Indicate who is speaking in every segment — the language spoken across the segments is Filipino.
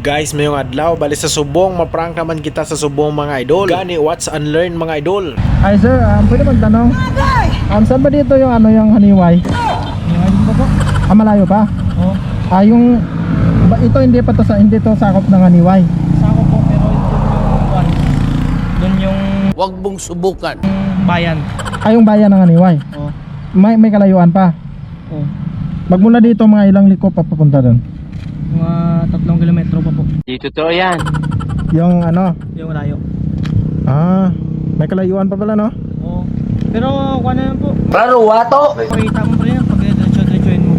Speaker 1: Guys, mayong adlaw bali sa subong, maprank naman kita sa subong mga idol. Gani watch and learn mga idol.
Speaker 2: Ay sir, pwede magtanong. Saan ba dito yung ano yung haniway?
Speaker 3: Haniway din po.
Speaker 2: Malayo pa?
Speaker 3: Oo.
Speaker 2: Yung ito hindi pa to hindi to sakop ng haniway.
Speaker 3: Sako po pero doon yung
Speaker 4: Huwag mong subukan.
Speaker 3: bayan.
Speaker 2: Yung bayan ng haniway.
Speaker 3: Oo.
Speaker 2: May kalayuan pa.
Speaker 3: Oo.
Speaker 2: Magmula dito mga ilang liko papunta doon.
Speaker 3: Mga 3 kilometro pa po.
Speaker 4: Di totoo yan.
Speaker 2: Yung ano?
Speaker 3: Yung layo.
Speaker 2: May kalayuan pa pala no?
Speaker 3: Oo. Pero kuha na yan po.
Speaker 4: Klaro, wato.
Speaker 3: Pakita mo pa rin yan pag diretso-diretsoin mo.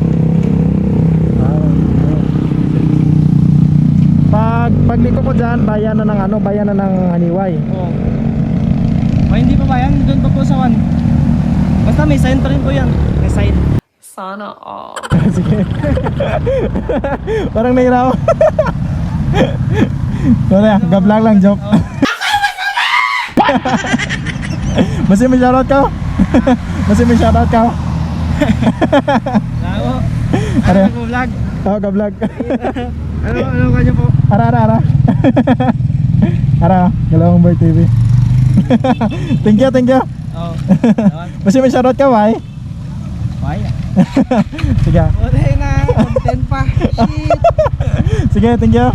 Speaker 2: Pag liko ko dyan, bayan na ng ano, bayan na ng haniway.
Speaker 3: Oo. Ay, hindi pa bayan. Doon pa po sa one. Basta may sign pa rin po yan. May sign.
Speaker 5: Sana all.
Speaker 2: Sige. Parang nahiraw. Sorry gablang lang joke. Masih may shoutout ka? Masih may shoutout ka?
Speaker 3: Lako.
Speaker 2: Ano?
Speaker 3: Nag-vlog.
Speaker 2: Oo, gablag.
Speaker 3: Ano kanya po?
Speaker 2: Ara. Ara, Galawang Boy TV. Thank you.
Speaker 3: Oo.
Speaker 2: Masih may shoutout ka, bye.
Speaker 3: Bye.
Speaker 2: Sige.
Speaker 3: Buti na. Content pa. Shit.
Speaker 2: Sige, thank you.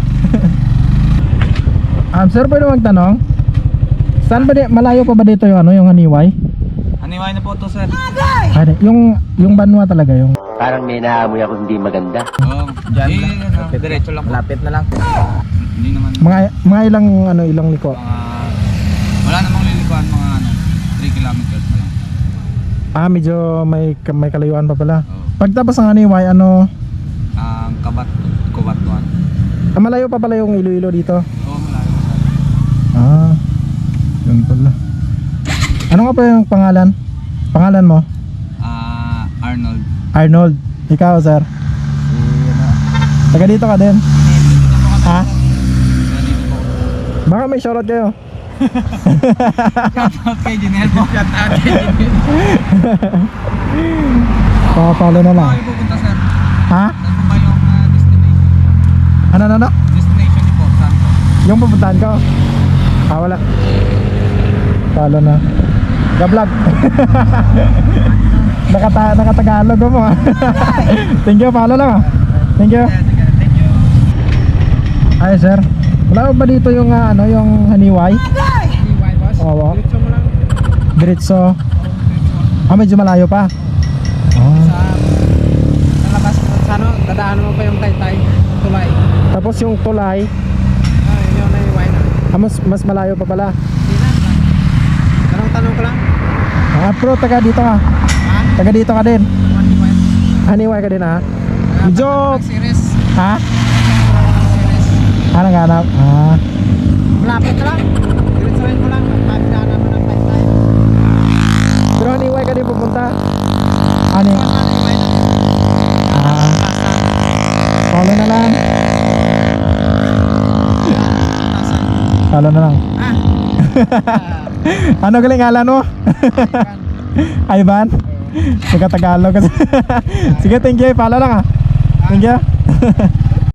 Speaker 2: Sir, pwede magtanong? Saan ba malayo pa ba dito yung ano, yung haniway?
Speaker 3: Haniway na po to, sir.
Speaker 2: Ay, yung banwa talaga yung.
Speaker 4: Parang may naamoy ako hindi maganda.
Speaker 3: Oo. Diyan lang. Diretso lang. Malapit na lang. Hindi naman.
Speaker 2: Mga ilang liko.
Speaker 3: Wala namang lilikuan, mga 3 kilometers na lang.
Speaker 2: Medyo may kalayuan pa pala.
Speaker 3: Oo.
Speaker 2: Pagtapos ng haniway, ano?
Speaker 3: Kubatuan.
Speaker 2: Malayo pa pala yung Iloilo dito.
Speaker 3: Oo, malayo.
Speaker 2: Yun pala. Ano nga pa yung pangalan? Pangalan mo?
Speaker 3: Arnold.
Speaker 2: Arnold. Ikaw, sir? Taga dito ka din? Ha? Baka may shoutout kayo.
Speaker 3: Shoutout kay Jinel po. Shoutout kay Jinel.
Speaker 2: Pakapalo na lang.
Speaker 3: Saan pupunta, sir?
Speaker 2: Ha?
Speaker 3: Saan po ba yung destination?
Speaker 2: Ano?
Speaker 3: Destination niyo po, saan po?
Speaker 2: Yung pupuntahan ko? Wala. Palo na. Gablog. Nakatagalog mo. Thank you, palo lang. Thank you.
Speaker 3: Thank you.
Speaker 2: Ay, sir. Wala ba dito yung ano, yung haniway?
Speaker 3: Haniway, boss?
Speaker 2: Oo.
Speaker 3: Diretso mo lang.
Speaker 2: Diretso. Medyo malayo pa.
Speaker 3: Sa labas, sa ano, dadaanan mo pa yung Taytay, tulay.
Speaker 2: Tapos yung tulay,
Speaker 3: Yun yung haniway na.
Speaker 2: mas malayo pa pala.
Speaker 3: Hindi na. Tanong ko lang.
Speaker 2: Pero taga dito ka.
Speaker 3: Ha?
Speaker 2: Taga dito ka din.
Speaker 3: Haniway.
Speaker 2: Haniway ka din ha. Medyo
Speaker 3: Series.
Speaker 2: ha?
Speaker 3: Series.
Speaker 2: Anong hanap?
Speaker 3: Malapit ka lang. Diretsoin mo lang. Pagdaanan mo ng Taytay.
Speaker 2: Pero haniway ka din pupunta. Ano?
Speaker 3: Haniway na.
Speaker 2: Follow na lang. Follow na lang. Ano galing ngalan mo? Ivan? Taga Tagalog kasi. Sige, thank you. Follow lang Thank you.